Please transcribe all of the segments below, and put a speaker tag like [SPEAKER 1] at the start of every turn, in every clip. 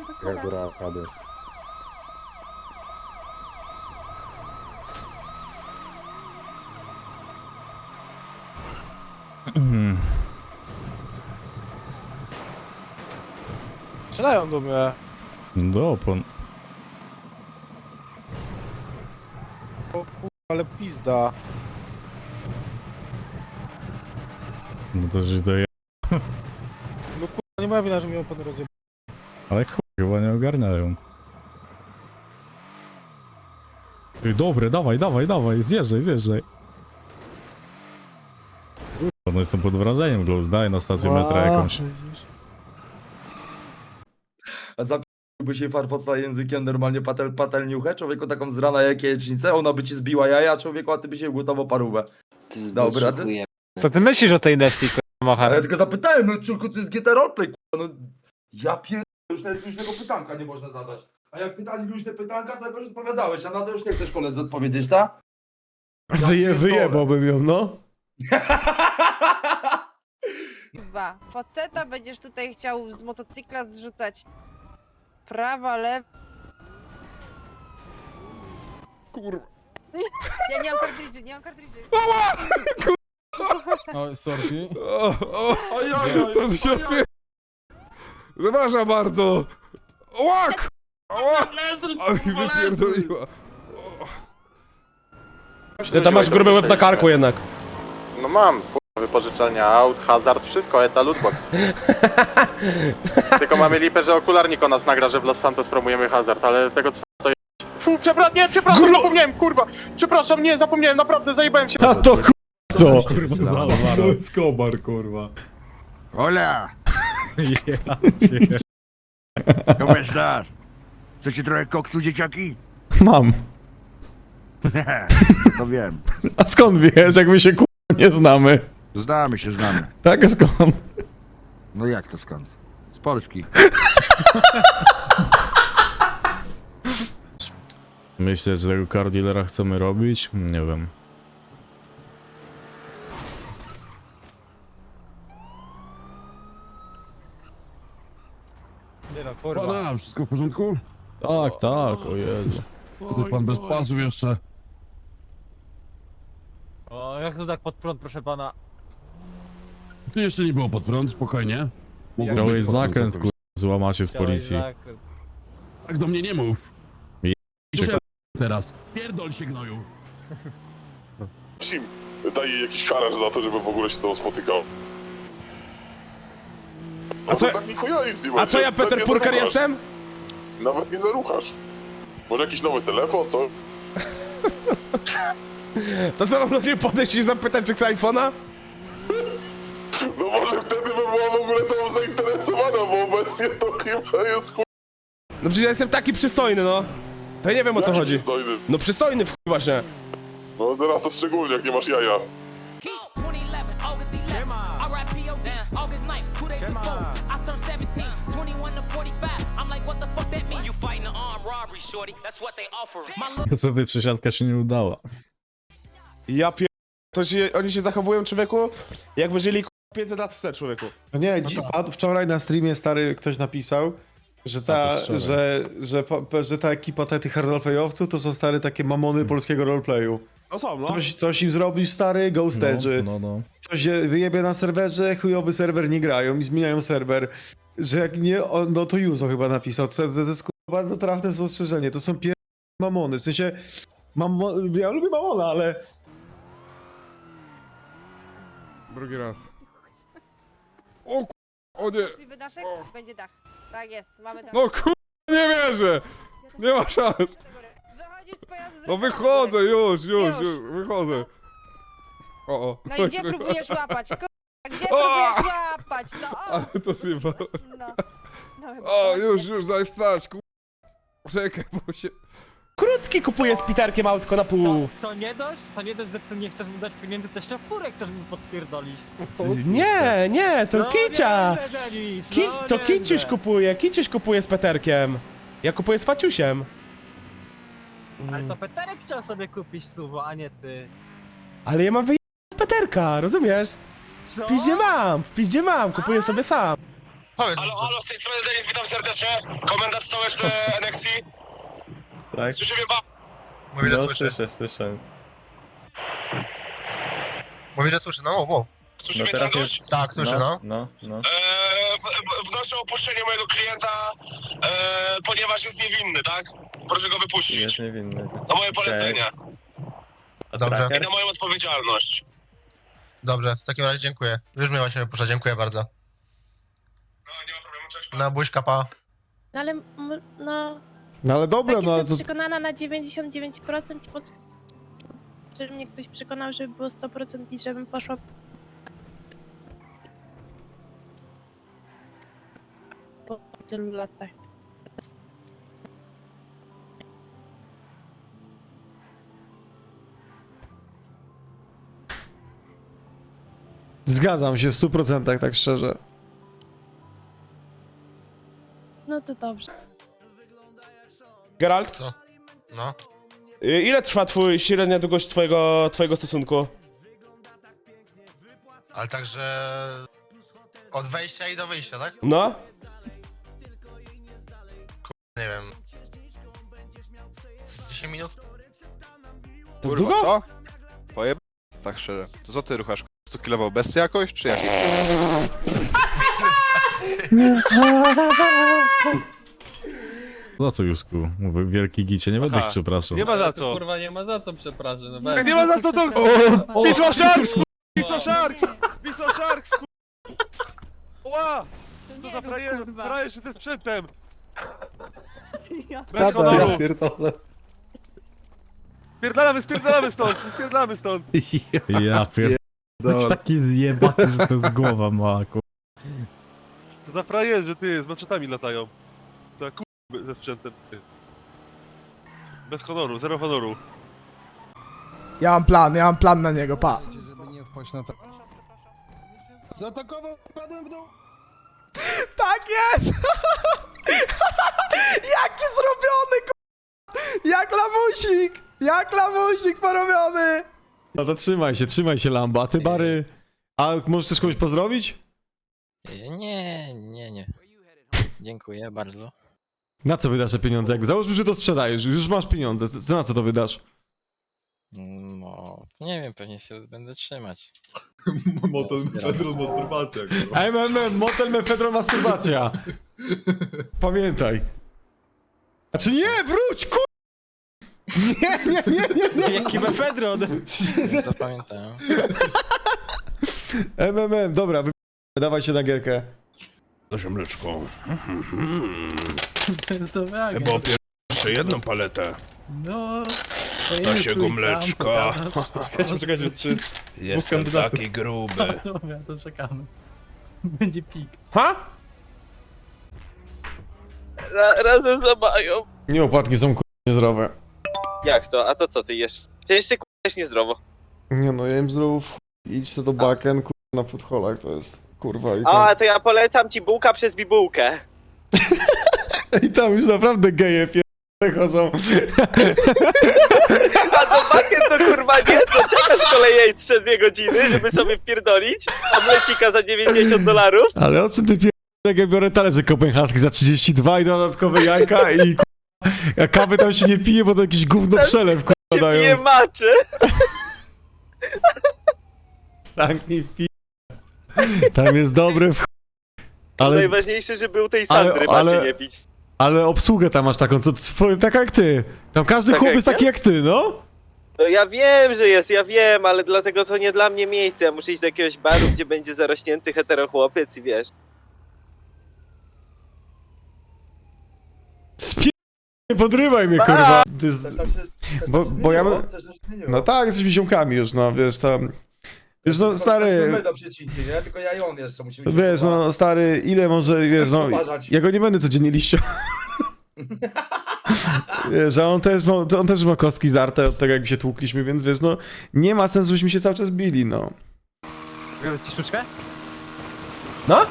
[SPEAKER 1] schodach, po schodach.
[SPEAKER 2] Góra, Hades.
[SPEAKER 3] Strzelają do mnie.
[SPEAKER 4] Do opon.
[SPEAKER 3] O kurwa, ale pizda.
[SPEAKER 4] No to że doje...
[SPEAKER 3] No kurwa, nie moja wina, że mi opony rozjebał.
[SPEAKER 4] Ale chuj, chyba nie ogarniają. Ty, dobre, dawaj, dawaj, dawaj, zjeżdżaj. No jestem pod wrażeniem, Gluz, daj na stację metra jakąś.
[SPEAKER 5] A zapiłby się farfocla językiem, normalnie patelniuchę, człowieku taką z rana jak jajecznicę, ona by ci zbiła jaja, człowieku, a ty byś jej gotowo parówę. Dobra,
[SPEAKER 3] Co ty myślisz o tej Nefsi, kurwa,
[SPEAKER 5] a
[SPEAKER 3] Mocha?
[SPEAKER 5] ja tylko zapytałem, no człowieku, to jest GT Roleplay, kurwa, no ja już nawet luźnego pytanka nie można zadać. A jak pytali luźne pytanka, to jakoś odpowiadałeś, a na to już nie chcesz koledze odpowiedzieć, tak?
[SPEAKER 6] Wyjebałbym ją, no.
[SPEAKER 1] Dwa. Faceta będziesz tutaj chciał z motocykla zrzucać. Prawa, lewa.
[SPEAKER 2] Kurwa.
[SPEAKER 1] Ja nie mam kartridży, nie mam kartridży.
[SPEAKER 2] O, sorki. Co tu się odpie... Przepraszam bardzo. Łak! Oj, wypierdoliła.
[SPEAKER 6] Ty tam masz gruby łeb na karku jednak.
[SPEAKER 7] No mam, wypożyczalnia aut, hazard, wszystko, eta lootbox. Tylko mamy lipę, że okularnik o nas nagra, że w Los Santos promujemy hazard, ale tego co to jest... Fu, przepraszam, zapomniałem, kurwa! Przepraszam, nie, zapomniałem, naprawdę, zajebałem się.
[SPEAKER 6] A to to.
[SPEAKER 2] Skobar, kurwa.
[SPEAKER 8] Hola, ¿cómo estás? Chcecie trochę koksu, dzieciaki?
[SPEAKER 6] Mam.
[SPEAKER 8] To wiem.
[SPEAKER 6] A skąd wiesz, jak my się nie znamy?
[SPEAKER 8] Znamy się, znamy.
[SPEAKER 6] Tak, a skąd?
[SPEAKER 8] No jak to skąd? Z Polski.
[SPEAKER 4] Myślę, że tego car dealera chcemy robić? Nie wiem.
[SPEAKER 3] Nie no, kurwa.
[SPEAKER 2] Pana, wszystko w porządku?
[SPEAKER 4] Tak, o Jezu.
[SPEAKER 2] To jest pan bez pasów jeszcze.
[SPEAKER 3] O, jak to tak pod prąd, proszę pana?
[SPEAKER 2] Tu jeszcze nie było pod prąd, spokojnie. Mogło
[SPEAKER 4] Miałeś
[SPEAKER 2] być pod prąd
[SPEAKER 4] zakręt,
[SPEAKER 2] całkowicie.
[SPEAKER 4] złamacie z policji.
[SPEAKER 2] Tak do mnie nie mów.
[SPEAKER 4] Je-
[SPEAKER 2] Muszę teraz. Pierdol się, gnoju.
[SPEAKER 9] Sim, daj jej jakiś haracz za to, żeby w ogóle się z tobą spotykał.
[SPEAKER 6] A co-
[SPEAKER 9] tak nikogo nic nie
[SPEAKER 6] A
[SPEAKER 9] będzie.
[SPEAKER 6] co ja,
[SPEAKER 9] Nawet
[SPEAKER 6] Peter
[SPEAKER 9] nie
[SPEAKER 6] Purker
[SPEAKER 9] zaruchasz.
[SPEAKER 6] jestem?
[SPEAKER 9] Nawet nie zaruchasz. Może jakiś nowy telefon, co?
[SPEAKER 6] To co, mam do niej podejść i zapytać, czy chce iPhone'a?
[SPEAKER 9] No może wtedy by była w ogóle tą zainteresowana, bo obecnie to chyba jest chuj.
[SPEAKER 6] No przecież ja jestem taki przystojny, no. To ja nie wiem, o co
[SPEAKER 9] Jaki
[SPEAKER 6] chodzi.
[SPEAKER 9] przystojny.
[SPEAKER 6] No przystojny w chuj właśnie.
[SPEAKER 9] No teraz to szczególnie, jak nie masz jaja.
[SPEAKER 4] Niestety przesiadka się nie udała.
[SPEAKER 6] Ja oni się zachowują, człowieku, jakby żyli 500 lat wstecz, człowieku.
[SPEAKER 10] No nie, wczoraj na streamie stary ktoś napisał, że ta, że ta ekipa tych hard roleplayowców to są stary takie mamony polskiego roleplayu.
[SPEAKER 6] No są, no.
[SPEAKER 10] Coś im zrobisz, stary, ghosterzy.
[SPEAKER 4] No.
[SPEAKER 10] Coś się wyjebie na serwerze, chujowy serwer, nie grają i zmieniają serwer. Że jak nie, no to Juzo chyba napisał, to jest bardzo trafne spostrzeżenie, to są mamony, w sensie, ja lubię mamona, ale...
[SPEAKER 2] Drugi raz. O nie.
[SPEAKER 1] Możliwy daszek? Będzie dach. Tak jest, mamy dach.
[SPEAKER 2] No nie wierzę. Nie ma szans.
[SPEAKER 1] Wychodzisz z pojazdu,
[SPEAKER 2] No
[SPEAKER 1] zrób
[SPEAKER 2] wychodzę,
[SPEAKER 1] dach.
[SPEAKER 2] już, wychodzę. O.
[SPEAKER 1] No i gdzie próbujesz łapać? Gdzie próbujesz łapać? No o!
[SPEAKER 2] Ale to chyba...
[SPEAKER 1] No. No, chyba
[SPEAKER 2] O,
[SPEAKER 1] to-
[SPEAKER 2] już, daj wstać, Czekaj, bo się...
[SPEAKER 6] Krótki kupuję z Piterkiem autko na pół.
[SPEAKER 3] To nie dość, że ty nie chcesz mu dać pieniędzy, to jeszcze furę chcesz mu podpierdolić.
[SPEAKER 6] Nie, to kicia.
[SPEAKER 3] nie, Denis,
[SPEAKER 6] To
[SPEAKER 3] nie,
[SPEAKER 6] Kiciuś kupuje z Peterkiem. Ja kupuję z Faciusiem.
[SPEAKER 3] Ale to Peterek chciał sobie kupić suwo, a nie ty.
[SPEAKER 6] Ale ja mam wyjechać z Peterka, rozumiesz?
[SPEAKER 3] Co?
[SPEAKER 6] W piździe mam, kupuję sobie sam.
[SPEAKER 9] Halo, z tej strony Denis, witam serdecznie. Komendant stołeczny NXT.
[SPEAKER 10] Tak?
[SPEAKER 9] Słyszy mnie pan? Mówi, że słyszy.
[SPEAKER 10] Słyszę.
[SPEAKER 9] Mówi, że słyszy, no mów. Słyszy mnie teraz gość? Tak, słyszę, no. Wnoszę o opuszczenie mojego klienta, ponieważ jest niewinny, tak? Proszę go wypuścić.
[SPEAKER 10] niewinny.
[SPEAKER 9] Na moje polecenie.
[SPEAKER 10] Dobrze.
[SPEAKER 9] I na moją odpowiedzialność. Dobrze, w takim razie dziękuję. Już mnie właśnie wypuszcza, dziękuję bardzo. No, nie ma problemu, cześć. Na buźka, pa.
[SPEAKER 11] No ale, no,
[SPEAKER 10] No ale dobra,
[SPEAKER 11] tak
[SPEAKER 10] no ale
[SPEAKER 11] jestem
[SPEAKER 10] to...
[SPEAKER 11] przekonana na 99% i żeby mnie ktoś przekonał, żeby było 100% i żebym poszła... Po tylu latach.
[SPEAKER 10] Zgadzam się w 100%, tak szczerze.
[SPEAKER 11] No to dobrze.
[SPEAKER 6] Geralt,
[SPEAKER 9] Co? No.
[SPEAKER 6] ile trwa średnia długość twojego stosunku?
[SPEAKER 9] Ale także... Od wejścia i do wyjścia, tak?
[SPEAKER 6] No?
[SPEAKER 9] Nie wiem. Z 10 minut?
[SPEAKER 6] Tak długo?
[SPEAKER 7] co? Pojeb... Tak szczerze. To co ty ruchasz? 100 kilował besty jakoś, czy jak?
[SPEAKER 4] Za co, Jusku? Mówię, wielki gicie, nie będę ich przepraszał.
[SPEAKER 6] Nie ma za co.
[SPEAKER 3] Kurwa, nie ma za co, przepraszam. No
[SPEAKER 6] Tak nie ma za co to... Wisła Sharks! Wisła Sharks! Wisła Sharks! Ła! Co za frajer się tym sprzętem! Bez honoru! Spierdalamy stąd!
[SPEAKER 4] Ja pierdolę. Jesteś taki jebany, że to jest głowa mała, ku...
[SPEAKER 6] Co za frajerzy, ty, z maczetami latają. Co za ze sprzętem, ty. Bez honoru, zero honoru.
[SPEAKER 12] Ja mam plan na niego, pa.
[SPEAKER 2] Zaatakował, padłem w dół.
[SPEAKER 12] Tak jest! Jaki zrobiony, Jak lamusik porobiony!
[SPEAKER 10] No to trzymaj się Lamba, a ty Bary... A możesz też kogoś pozdrowić?
[SPEAKER 3] Nie. Dziękuję bardzo.
[SPEAKER 10] Na co wydasz te pieniądze? Jakby załóżmy, że to sprzedajesz, już masz pieniądze, na co to wydasz?
[SPEAKER 3] No, nie wiem, pewnie się będę trzymać.
[SPEAKER 9] Motel Pedro masturbacja.
[SPEAKER 10] Motel mefedron masturbacja. Pamiętaj. Znaczy nie, wróć, ku... Nie.
[SPEAKER 3] Jaki mefedron? Zapamiętałem.
[SPEAKER 10] Dobra, dawaj się na gierkę.
[SPEAKER 8] Proszę mleczko.
[SPEAKER 3] Bo
[SPEAKER 8] Jeszcze jedną paletę.
[SPEAKER 3] no...
[SPEAKER 8] Nasiego mleczka.
[SPEAKER 3] Czekajcie,
[SPEAKER 8] Jestem taki gruby.
[SPEAKER 3] Dobra, to czekamy. Będzie pik.
[SPEAKER 6] Ha?
[SPEAKER 3] Razem za Mają.
[SPEAKER 10] Nie, opłatki są niezdrowe.
[SPEAKER 3] Jak to? A to co ty jesz? Ty jeszcze jesz niezdrowo.
[SPEAKER 10] Nie no, ja jem zdrowo idź se do baken, na foodholach to jest, kurwa i
[SPEAKER 3] A, to ja polecam ci bułka przez bibułkę.
[SPEAKER 10] I tam już naprawdę geje chodzą.
[SPEAKER 3] A do bakiet to kurwa nie, to czekasz kolejej 3 godziny, żeby sobie wpierdolić, a mlecika za $90.
[SPEAKER 10] Ale o czym ty jak ja biorę talerze kopenhaski za 32 i dodatkowe jajka i a kawy tam się nie pije, bo to jakiś gówno przelew
[SPEAKER 3] Nie
[SPEAKER 10] dają.
[SPEAKER 3] maczy.
[SPEAKER 10] Zamknij Tam jest dobre w ale,
[SPEAKER 3] Najważniejsze, żeby był tej Sandry maczy nie pić.
[SPEAKER 10] ale obsługę tam masz taką, taka jak ty. Tam każdy
[SPEAKER 3] Taka
[SPEAKER 10] chłop
[SPEAKER 3] jak
[SPEAKER 10] jest taki jak ty, no.
[SPEAKER 3] No ja wiem, że jest, ja wiem, ale dlatego to nie dla mnie miejsce. Ja muszę iść do jakiegoś baru, gdzie będzie zarośnięty heterochłopiec i wiesz.
[SPEAKER 10] Nie podrywaj mnie, kurwa. Bo ja bym... No tak, jesteśmy ziomkami już, no, wiesz, tam... Wiesz, no, stary...
[SPEAKER 5] My do przecinki, nie? Tylko ja i on jeszcze musimy...
[SPEAKER 10] Wiesz, no, stary, ile może, wiesz, no... Ja go nie będę codziennie liścią. Wiesz, a on też ma kostki zdarte od tego, jak się tłukliśmy, więc wiesz, no... Nie ma sensu, żebyśmy się cały czas bili, no.
[SPEAKER 3] Ci sztuczkę?
[SPEAKER 6] No?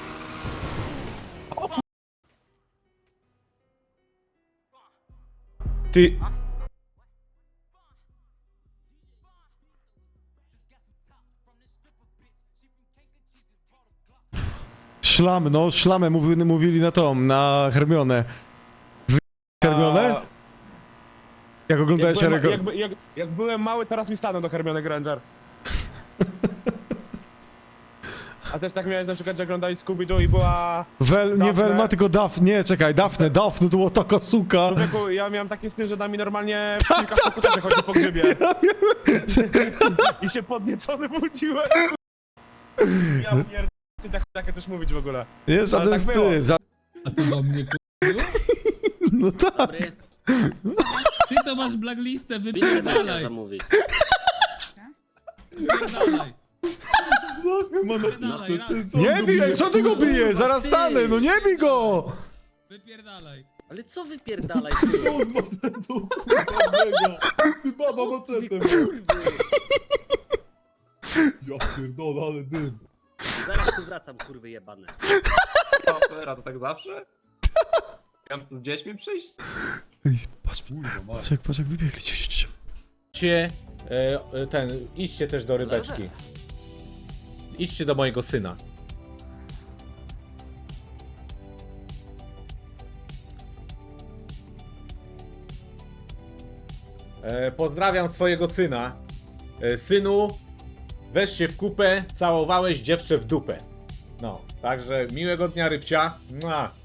[SPEAKER 6] Ty...
[SPEAKER 10] Szlamę mówili na tą, na Hermionę. Hermionę? Jak oglądałeś Harry'ego?
[SPEAKER 6] Jak byłem mały, teraz mi stanął do Hermione Granger. A też tak miałeś na przykład, że oglądałeś Scooby-Doo i była...
[SPEAKER 10] Nie Velma, tylko Daphne, czekaj, Daphne, to była taka suka.
[SPEAKER 6] Człowieku, ja miałem takie sny, że nami normalnie w kilka komputerze chodzi po grzybie. I się podniecony budziłem. Ja pierdolę, takie coś mówić w ogóle.
[SPEAKER 10] Nie, żaden
[SPEAKER 6] tak było.
[SPEAKER 10] wstyd.
[SPEAKER 2] A to do mnie
[SPEAKER 10] No tak.
[SPEAKER 2] Ty to masz blacklistę, wypierdalaj.
[SPEAKER 9] zamówić.
[SPEAKER 2] Wypierdalaj.
[SPEAKER 10] Nie bij, co ty go bijesz? Zaraz stanę, no nie bij go!
[SPEAKER 2] Wypierdalaj.
[SPEAKER 9] Ale co wypierdalaj?
[SPEAKER 5] Baba mocetem. Ja pierdolę, ale dym.
[SPEAKER 9] Zaraz tu wracam, kurwy jebane.
[SPEAKER 6] A to tak zawsze? Miałem tu z dziećmi przyjść?
[SPEAKER 10] Patrz jak wybiegli.
[SPEAKER 6] Idźcie też do rybeczki. Idźcie do mojego syna. Pozdrawiam swojego syna. Synu, weź się w kupę, całowałeś dziewczę w dupę. No, także miłego dnia, rybcia. Mua.